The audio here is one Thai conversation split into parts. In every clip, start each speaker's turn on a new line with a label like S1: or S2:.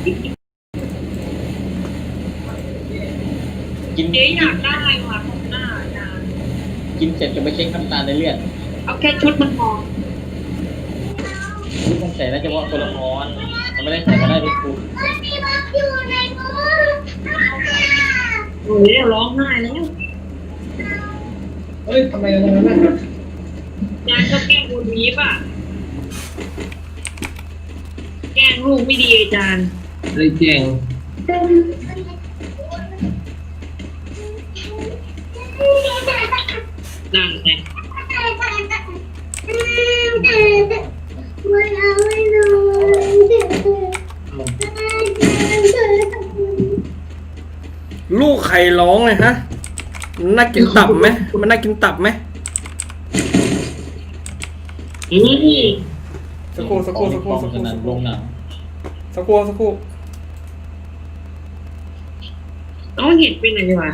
S1: กิน
S2: เจ๊อยากได้ว่ะของหน้าอาจารย์
S1: กินเสร็จจะไปเช็คน้ำตาลในเลือด
S2: เอาแค่ชุดมันพอ
S1: ที่ต้องใส่น่าจะว่าตัวละครมันไม่ได้ใส่ก็ได้ทุกคน
S2: โอ้ยร้องไห้แล้ว
S3: เฮ้ยทำไมอะไรนั่นน่ะ
S2: อาจารย์ก็แกล้งคนนี้ป่ะแกล้งลูกไม่ดีอาจารย์
S3: เลยแจ้ง
S2: นั่นไง
S4: ลูกใครร้องเลยฮะมันน่ากินตับไหมมันน่ากินตับไหมสักครู่สักครู่สักครู่สักครู่สักครู่
S1: ลงหนัง
S4: สักครู่สักครู่
S2: ต้องเห็นไปไหนวะ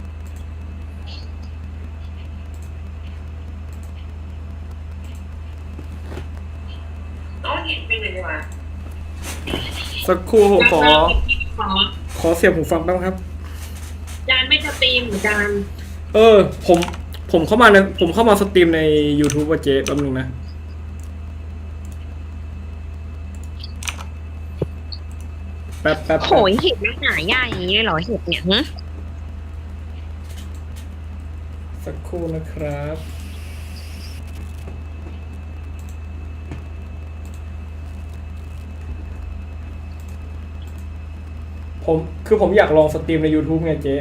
S2: ต้องเห็นไปไหนวะ
S4: สักครู่ผมขอเสียบหูฟังแป๊บครับ
S2: อาจารย์ไม่สตรีมอาจารย์
S4: ผมเข้ามาผมเข้ามาสตรีมใน YouTube ว่าเจ๊แป๊บนึงนะแป๊บ
S2: โหยเห็ดมันหายากอย่างนี้เลยเหรอเห็ดเนี่ยฮะ
S4: สักครู่นะครับผมอยากลองสตรีมใน YouTube ไงเจ๊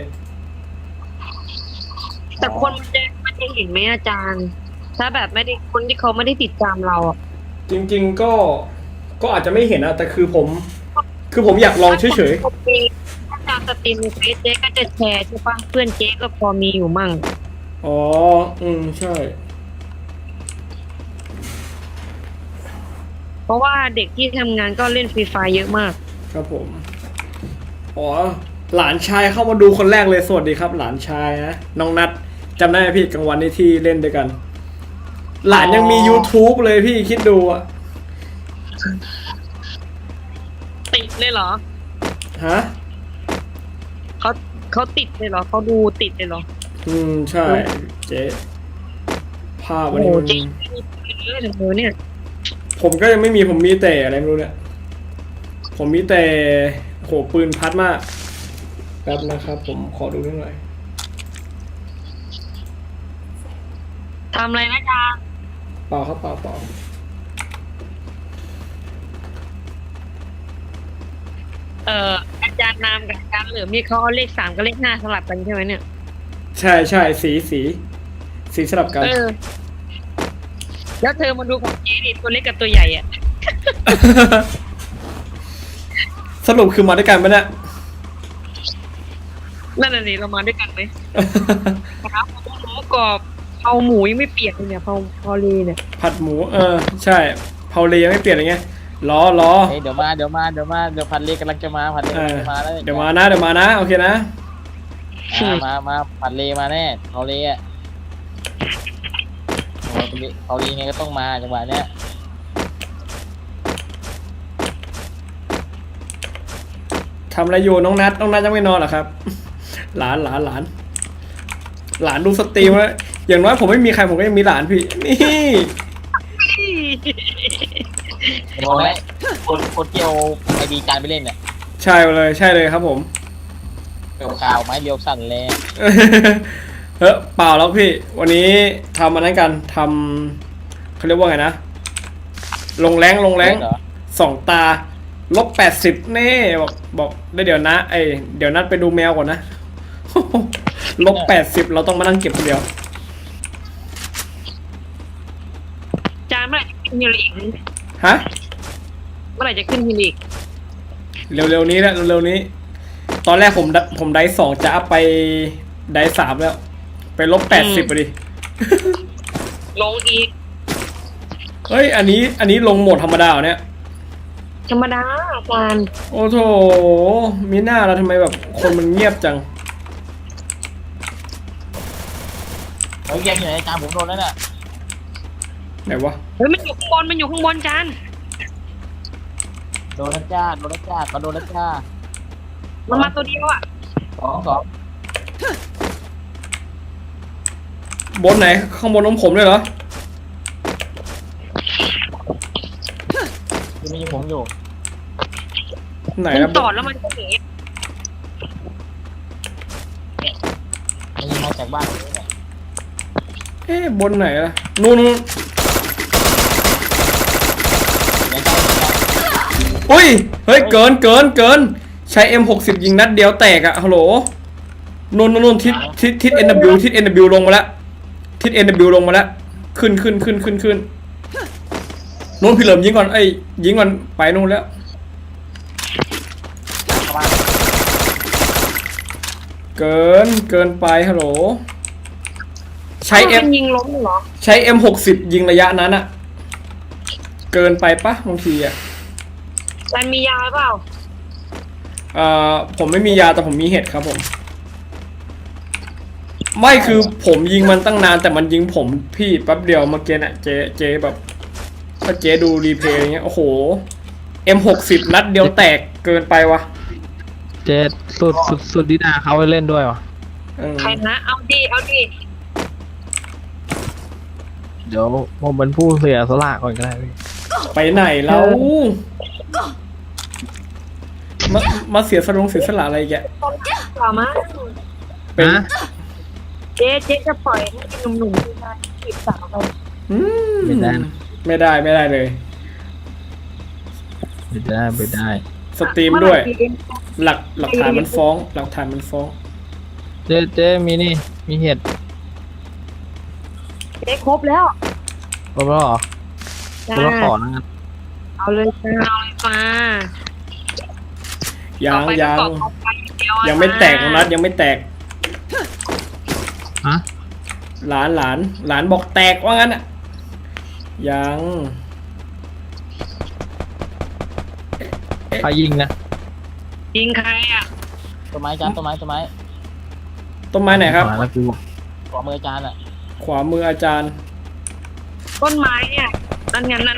S2: แต่คนมันจะเห็นไหมอาจารย์ ถ้าแบบไม่ได้คนที่เขาไม่ได้ติดตามเราอ่ะ
S4: จริงๆก็อาจจะไม่เห็นนะแต่คือผมอยากลองเฉย
S2: ๆถ้าการสตรีมในเฟซเจ๊ก็จะแชร์ใช่ปะเพื่อนเจ๊ก็พอมีอยู่มั่ง
S4: อ๋อใช่
S2: เพราะว่าเด็กที่ทำงานก็เล่นฟรีไฟเยอะมาก
S4: ครับผมอ๋อหลานชายเข้ามาดูคนแรกเลยสวัสดีครับหลานชายนะน้องนัทจำได้ไหมพี่กลางวันนี้ที่เล่นด้วยกันหลานยังมี YouTube เลยพี่คิดดูอะ
S2: ติดเลยเหรอ
S4: ฮะ
S2: เขาติดเลยเหรอเขาดูติดเลยเหรอ
S4: ใช่เจ๊ภาพวันนี้มัน
S2: เนี่ย
S4: ผมก็ยังไม่มีผมมีแต่อะไรไม่รู้เนี่ยผมมีแต่โหปืนพัดมากแป๊บนะครับผมขอดูนิดหน่อย
S2: ทำอะไรนะจ๊ะ
S4: เปล่าครับเปล่า
S2: อาจารย์นามกับอาจารย์เหลือมีเขาเอาเลข3กับเลข5สลับกันใช่ไหมเนี่ย
S4: ใช่สีสลับกัน
S2: แล้วเธอมาดูของเจ๊ดิตัวเล็กกับตัวใหญ่อะ
S4: สรุปคือมาด้วยกันไหมเนี่ย
S2: นั่นน่ะสิเรามาด้วยกันไหมครับหมูกรอบเผาหมูยังไม่เปียกเลยเนี่ยเผาเลเนี่ย
S4: ผัดหมูใช่เผาเลยังไม่เปลี่ยนอะไรเงี้ยรอ
S1: เดี๋ยวผัดเลกำลังจะมาผัดเลกำลังจะมาแล้ว
S4: เดี๋ยวมานะโอเคนะ
S1: มาผัดเลมาแน่เผาเลอ่ะเผาเลไงก็ต้องมาจังหวะเนี้ย
S4: ทำอะไรอยู่น้องนัทยังไม่นอนเหรอครับหลานดูสตรีมแล้วอย่างน้อยผมไม่มีใครผมก็ยังมีหลานพี่นี่
S1: บอกไหมคนเกี่ยวไอดีจานไปเล่นเนี่ย
S4: ใช่เลยครับผม
S1: เกี่ยวข่าวไม้เรียวสั่นเลย
S4: เปล่าแล้วพี่วันนี้ทำมันนั้นกันทำเขาเรียกว่าไงนะลงแรง2 ตา-80นี่บอกได้เดี๋ยวนะเดี๋ยวนัดไปดูแมวก่อนนะ-80เราต้องมานั่งเก็บคนเดียว
S2: จานเมื่อไหร่จะขึ้นฮิลิก
S4: ฮะ
S2: เมื่อไหร่จะขึ้นฮิลิก
S4: เร็วๆนี้แหละเร็วๆนี้ตอนแรกผมได้2จะอัพไปได้3แล้วไป-80ไปดิ
S2: ลงอีก
S4: เฮ้ยอันนี้ลงโหมดธรรมดาเนี่ย
S2: ธรรมดาอาจารย์
S4: โอ้โถมีหน้าแล้วทำไมแบบคนมันเงียบจัง
S1: แยกอยู่ไหนจานผมโดนแล้วน่ะ
S4: ไหนวะ
S2: เฮ้ยมันอยู่ข้างบนจาน
S1: โดนแล้วจ้าโดนแล้วจ้าก็โดนแล้วจ้า
S2: มันมาตัวเดียวอ่ะ
S1: สอง
S4: บนไหนข้างบนน้องผมเลยเหรอ
S1: ที่มีผมอยู่
S4: ไหน
S2: มัน
S4: นะ
S2: ตอดแล้วมันก็หนี
S1: มันยิงมาจากบ้านนี้เนี่ย
S4: เอ๊ะบนไหนล่ะนู่น
S1: เดี๋ยวจ้า
S4: อุ้ยเฮ้ยเกินใช้ M60 ยิงนัดเดียวแตกอะฮัลโหลนู่นทิศ NW ทิศ NW ลงมาแล้วทิศ NW ลงมาแล้วขึ้นนู่นพี่เหลิมยิงก่อนไอ้ยยิงก่อนไปนู่นแล้ว
S1: เข้ามา
S4: เกินไปฮัลโหลใช้
S2: มันยิงล้มเหรอ
S4: ใช้ M60 ยิงระยะนั้นอะเกินไปปะบางทีอะ
S2: มันมียาเปล่า
S4: ผมไม่มียาแต่ผมมีเห็ดครับผมไม่คือผมยิงมันตั้งนานแต่มันยิงผมพี่แป๊บเดียวเมื่อกี้น่ะเจ๊แบบถ้าเจ๊ดูรีเพลย์อย่างเงี้ยโอ้โห M60 นัดเดียวแตกเกินไปวะ
S5: เจสุดดิดาเขาไปเล่นด้วยวะ
S4: เออ
S2: ใครนะเอาดิ
S5: เดี๋ยวผมเป็นผู้เสียสละก่อนก็ได้พี่
S4: ไปไหนแล้วมาเสียสละอะไรแก
S2: กล่าวมา
S4: เป็น
S5: นะ
S2: เจ๊จะปล่อยให้หนุ่มๆที่มาจีบสาวเรา
S4: อืม
S5: ไม่ได้นะ
S4: ไม่ได้เลย
S5: ไม่ได้
S4: สตรีมด้วย หลักฐานมันฟ้อง
S5: เจมีนี่มีเห็ด
S2: เจ๊ครบแล้ว
S5: ครบแล้วเหรอคร
S2: จ้า
S5: บแล้วขอนะงั้น
S2: เอาเลยมา
S4: ยังไม่แตกนัดยังไม่แตก
S5: ฮะ
S4: หลานบอกแตกว่างั้นอ่ะยัง
S5: ใครยิงนะ
S2: ยิงใครอ่ะ
S1: ต้นไม้จ้าต้นไม้
S4: ต้นไม้ไหนครับ
S5: มาแล้วกู
S1: ขวามือจานอ่ะ
S4: ขวามืออาจารย์
S2: ต้นไม้เนี่ยนั่นไงนั่น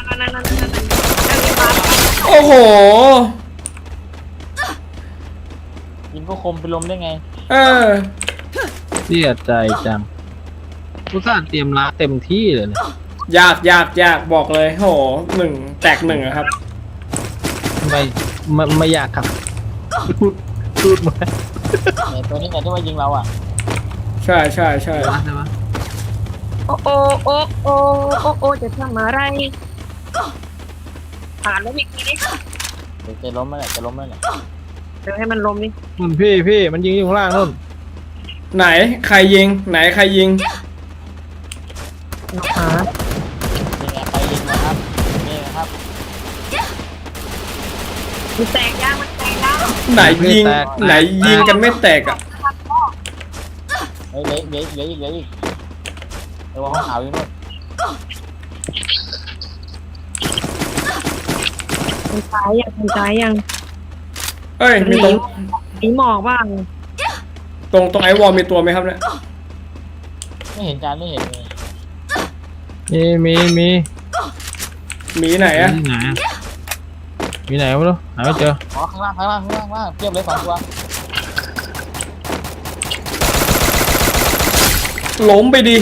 S4: โอ้โห
S1: ยิงก็คมไปลมได้ไง
S4: เออ
S5: เสียใจจังกูสร้างเตรียมล้าเต็มที่เลยเนี่ย
S4: ยากบอกเลยโหแตกหนึ่งอะครับ
S5: ไม่อยากครับพูดมา
S1: เนี่ยตัวนี้เนี่ยที่ว่ายิงเราอ่ะ
S4: ใช่
S5: ใช่ไหม
S2: โอ้จะทำอะไรผ่านแล้วมีทีนี้
S1: เดี๋ยวจะล้มแล้วเนี่ยจะล้มแล้วเนี่ย
S2: เดี๋ยวให้มันลมนี่
S5: นู่นพี่มันยิงอยู่ข้างล่างนู่น
S4: ไหนใครยิง
S2: หา
S1: นี่ไงใครยิงนะครับนี่นะครับ
S2: มันแตกยาง
S4: ไหนยิงกันไม่แตกอะ
S1: เฮ้ยเหลืออีกเดี๋ยวห้องขาวอยู่นู่น
S2: มันตายยัง
S4: เอ้ยมีตรง
S2: มีหมอกบ้าง
S4: ตรงไอวอลมีตัวไหมครับเนี่ย
S1: ไม่เห็นจานไม่เห็นเลย
S5: มี
S4: มีไหนอะ
S5: ที่ไหนอะมีไหนไม่รู้หาไม่เจอ
S1: อ๋อข้างล่างเทียบเลย2 ตัว
S4: ล้มไปดิ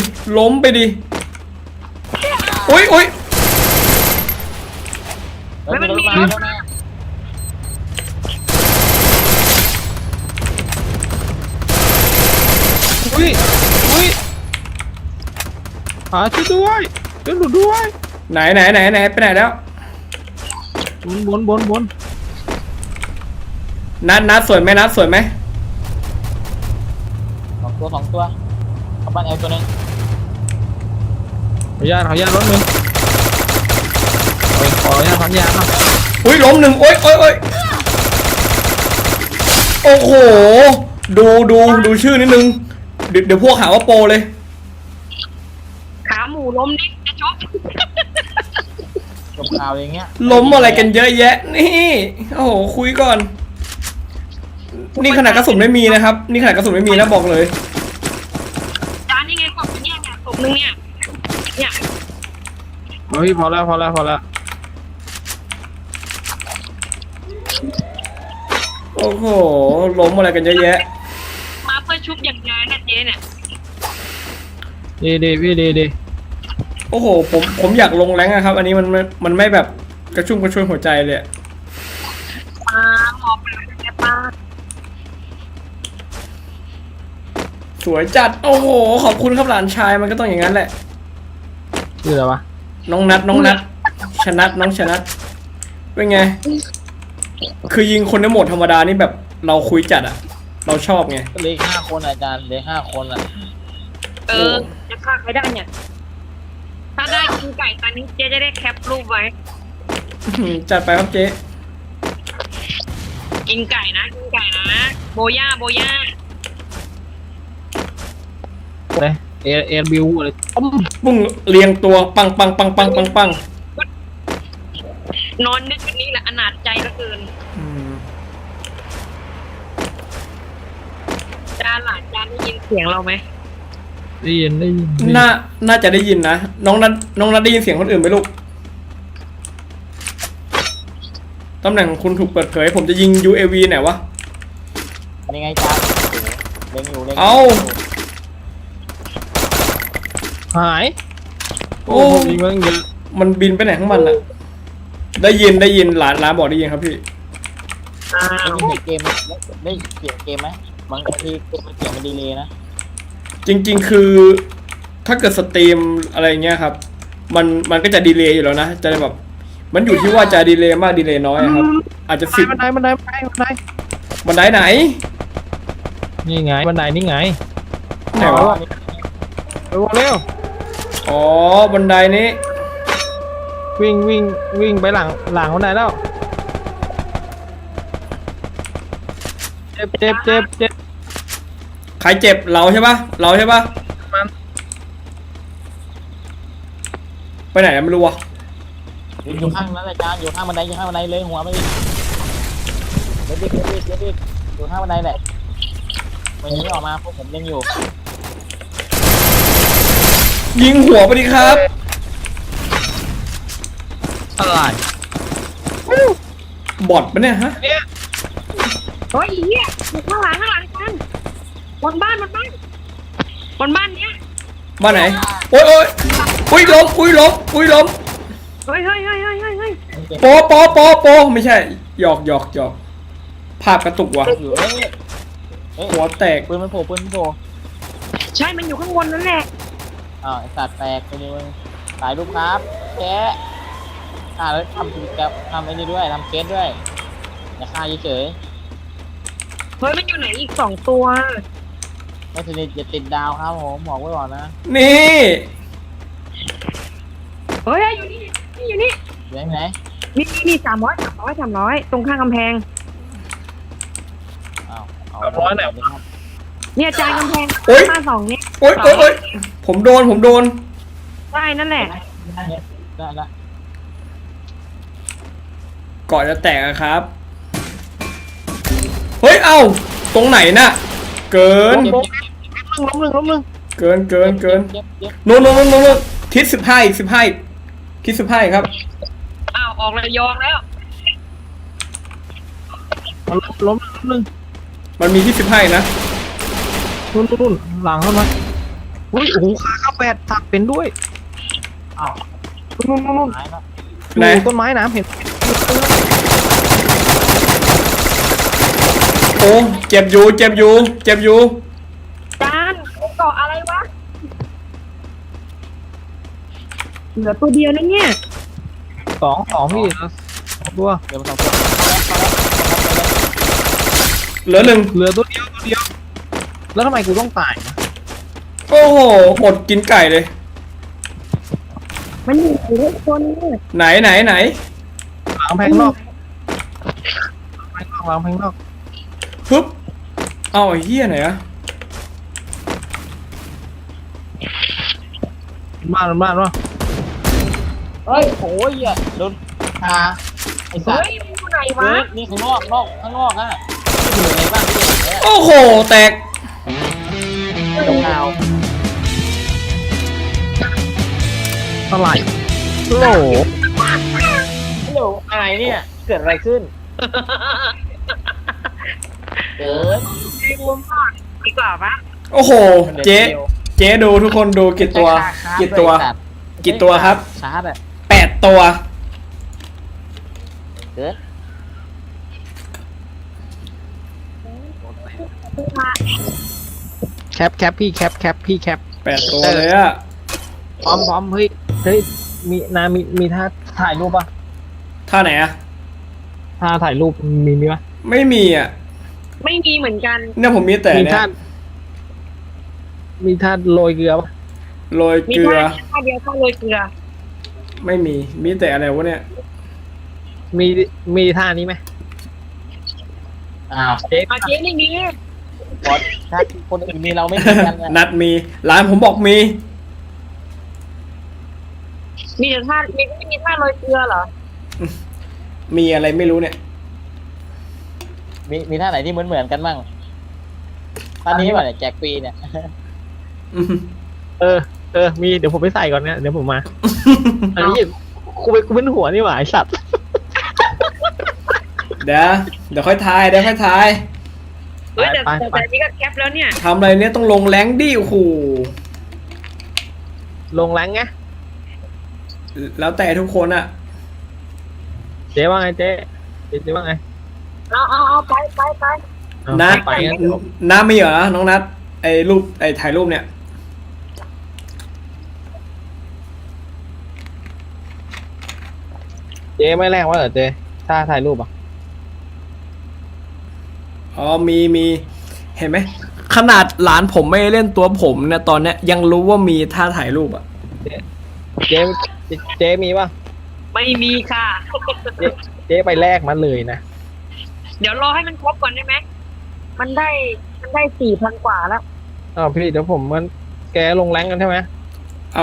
S4: อุ้ย
S1: แล้วมีรถมาแล้วนะ
S5: อุ้ยหาช่วยด้วยช่วยหนูด้วย
S4: ไหนไปไหนแล้ว
S5: บน
S4: นัดสวยไหม
S1: 2 ตัวเอาบ้านแอลตัวนึง
S5: ขออนุญาตรถนึงขออนุญาตพันยาเนาะ
S4: อุ้ยล้มหนึ่งโอ้ยโอ้โหดูชื่อนิดนึงเดี๋ยวพวกหาว่าโปรเลย
S2: ขาหมูล้มนี่จะชก
S1: จบข่าวอย่างเงี้ย
S4: ล้มอะไรกันเยอะแยะนี่โอ้โหคุยก่อน นี่ขนาดกระสุนไม่มีนะครับนะบอกเลย
S2: จานนี่ไงกบเนี่ยกบนึงเนี่ย
S5: เฮ้ยพอแล้ว
S4: โอ้โหล้มอะไรกันเยอะแยะ
S2: มาเพื่อชุบอย่างไงนะเจ๊เนี่ย
S5: ดีพี่ดี
S4: โอ้โหผมอยากลงแรงอะครับ อันนี้มันไม่แบบกระชุ่มกระชวยหัวใจเลยอะ
S2: ปลาหมอปลาแม่ปลา
S4: สวยจัดโอ้โหขอบคุณครับหลานชายมันก็ต้องอย่างนั้นแหละ
S5: ชื่ออะไรวะ
S4: น้องนัดชนัดน้องชนัดเป็นไง คือยิงคนในโหมดธรรมดานี่แบบเราคุยจัดอะเราชอบไง
S1: ก็เหลข5 คนอาจารย์เหลข5 คนอ่ะ
S2: จะฆ่าใครได้เนี่ย ถ้าได้กินไก่ตอนนี้เจ๊จะได้แคปรูปไว้
S4: จัดไปครับเจ๊
S2: กินไก่นะกินไก่นะ โบย่า
S5: เลยเอบิวอะไรต้ม
S4: ปุ้งเรียงตัวปัง
S2: นอนนึกวันนี้แหละอนาถใจเหลือเกิน จานหลานจานได้ยินเสียงเราไหม
S5: ได้ยิน
S4: น่าจะได้ยินนะน้องนัดได้ยินเสียงคนอื่นไหมลูกตำแหน่งของคุณถูกเปิดเผยผมจะยิง UAV ไหนวะ
S1: ยังไงอาจารย์เล็งอยู่
S4: เอ้า
S5: หาย
S4: โอ้
S5: ยิงมันเยอะ
S4: มันบินไปไหนของมันอะได้ยินหลานบอกได้ยินครับพี่
S2: อ้า
S1: ได้
S2: ว
S1: ยินเสียงเกมไหมได้เสียงเกมไหมบางทีเสียงมันดีเลยนะ
S4: จริงๆคือถ้าเกิดสตรีมอะไรเงี้ยครับ มันก็จะดีเลย์อยู่แล้วนะจะแบบมันอยู่ที่ว่าจะดีเลย์มากดีเลย์น้อยอะครับ อาจจะ10
S5: บันได
S4: บันไดไหน
S5: นี่ไงบันไดนี่ไง
S4: ไหนวะ
S5: เร็ว
S4: อ๋อบันไดนี้
S5: วิ่งไปหลังบันไดแล้วเจ็บ
S4: ใครเจ็บเราใช่ปะไปไหนอะไม่รู้วะ
S1: อยู่ข้างนั้นอาจารย์อยู่ข้างบันไดเลยหัวไม่ดีเด็กอยู่ข้างบันไดแหละวันนี้ออกมาพวกผมยังอยู่
S4: ยิงหัวไปดิครับ
S5: อะไร
S4: บอทปะเนี่ยฮะ
S2: เฮ้ยเหี้ยอยู่ข้างหลังกันบนบ้านเนี้ย
S4: บ้านไหนโอ้ยอุ้ยล้ม
S2: เฮ้ย
S4: โปไม่ใช่หยอกภาพกระตุกว่ะ
S1: อยู่
S4: หัวแตก
S1: ปืนมันโผล่
S2: ใช่มันอยู่ข้างบนนั่นแหละ
S1: อ้าวไอ้สัตว์แตกไปเลยมึงถ่ายรูปครับแกแล้วทำกิจกรรมทำไอ้นี่ด้วยทำเคสด้วยอย่าฆ่าเฉย
S2: เฮ้ยมันอยู่ไหนอีก2 ตัว
S1: ๆไม่สนิทอย่าติดดาวครับผมบอกไว้ก่อนนะ
S4: นี่
S2: เฮ้ยอยู่นี่
S1: อยู่ไหน
S2: นี่300 ตรงข้างกำแพง
S1: อ้าวเอา
S5: 300ไหน
S2: เนี่ยจานกำแพงบ้าน2เนี่ย
S4: โอ้ยผมโดน
S2: ได้นั่นแหละ
S1: ได้ละ
S4: เกาะจะแตกอะครับ เฮ้ยเอ้าตรงไหนน่ะเกิน
S5: ล้มหนึ่ง
S4: เกิน
S1: เจ็บ
S4: นู่นทิศ15อีกทิศ15อีกครับ
S2: อ้าวออกระยองแล้ว
S5: ล้มหนึ่ง
S4: มันมีที่15อีกนะ
S5: นู่นหลังเข้ามาอุ้ยโอ้โหขาข้าแปดถักเป็นด้วย
S1: อ้าว
S5: นู่น
S1: หายแล้ว
S4: ไหน
S5: อยู่ต้นไม้น้ำเห็น
S4: โอ้เจ็บอยู่
S2: จานเกาะอะไรวะเหลือตัวเดียวนะเนี่ย
S5: สองพี่ตัว
S1: เดี๋ยวมา2 ตัว
S4: เหลือ 1
S5: เหลือตัวเดียวแล้วทำไมกูต้องตายนะ
S4: โอ้โหอดกินไก่เลย
S2: มันอยู่ที่คนนี่
S4: ไหน
S5: หลังแพงนอก
S4: ฮึบเอาไอ้เหี้ยไหนอะ
S5: บ้านวะ
S1: เฮ้ยโอ้ยโดนคาไอ้สั
S2: เฮ้
S1: ต
S2: ย
S1: ว์
S2: มันอยู่ไหนวะ
S1: นี่ข้างนอกฮะที่อยู่ในบ้านที่เด็ก
S4: โอ้โหแตก
S1: ตรงข่าว
S5: อะไรโอ้โห
S1: ฮัลโหลอะไรเนี่ยเกิดอะไรขึ้นเกิน
S2: รวมก่อนดีกว่าปะ
S4: โอ้โห เจ๊เจ๊ดูทุกคนดูกี่ตัว กี่ตัว กี่ตัวครับ
S1: ชาร์จอะ
S4: 8 ตัว
S1: เกิน
S5: แคปพี่แคปพี่แคป
S4: 8 ตัวเลยอะ
S5: พร้อมเฮ้ยมีท่าถ่ายรูปปะ
S4: ท่าไหนอะ
S5: ท่าถ่ายรูปมีปะ
S4: ไม่มีอะ
S2: ไม่มีเหมือนกัน
S4: เนี่ยผมมีแต่
S5: มี
S4: เนี่ย
S5: ท่ามีท่าโรยเกลือปะ
S4: โรย
S2: มี
S4: เกลือ
S2: ท่าเดียวท่าโรยเกลือ
S4: ไม่มี มีแต่อะไรวะเนี่ย
S5: มีท่านี้ไหม
S1: อ้าว
S5: เจ๊
S2: อาเจ๊ไม่มี
S1: บอสถ้าคนอื่นมีเราไม่มีกันนะ
S4: นัดมี ร้านผมบอกมี
S2: มีแต่ท่าไม่มีท่าโรยเกลือเหรอ
S4: มีอะไรไม่รู้เนี่ย
S1: มีท่าไหนที่เหมือนกันบ้างท่านี้ป่ะเนี่ยแจกฟรีเนี่ย
S5: เออมีเดี๋ยวผมไปใส่ก่อนเนี่ยเดี๋ยวผมมา อันนี้กูเป็นหัวนี่หว่าไอสัตว์
S4: เดี๋ยวค่อยทาย
S2: เฮ้ยแต่
S5: ไป
S2: แต่นี่ก็แคปแล้วเนี่ย
S4: ทำอะไรเนี่ยต้องลงแรงดิโอ้โห
S5: ลงแรงไง
S4: แล้วแต่ทุกคนอะ
S5: เจ๊ว่าไงเจ๊ว่าไง
S2: เอาไป
S5: เอา
S4: นัด
S5: ไปงั้น
S4: น้ามีเหรอน้องนัดไอ้รูปไอ้ถ่ายรูปเนี่ย
S5: เจ๊ไม่แรงวะเหรอเจ๊ท่าถ่ายรูปอ่ะ
S4: อ๋อมีเห็นไหมขนาดหลานผมไม่เล่นตัวผมเนี่ยตอนเนี้ยยังรู้ว่ามีท่าถ่ายรูปอะ
S5: เจ๊มีป่ะ
S2: ไม่มีค่ะ
S5: เจ๊ไปแลกมาเลยนะ
S2: เดี๋ยวรอให้มันครบก่อนได้ไหมมันได้4,000 กว่าแล้ว
S5: อ้าวพี่เดี๋ยวผมมันแกลงแรงกันใช่ไหม
S4: เอา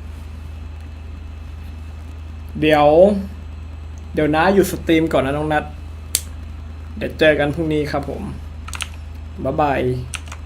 S4: เดี๋ยวน้าอยู่สตรีมก่อนนะน้องนัดเดี๋ยวเจอกันพรุ่งนี้ครับผมบ๊ายบาย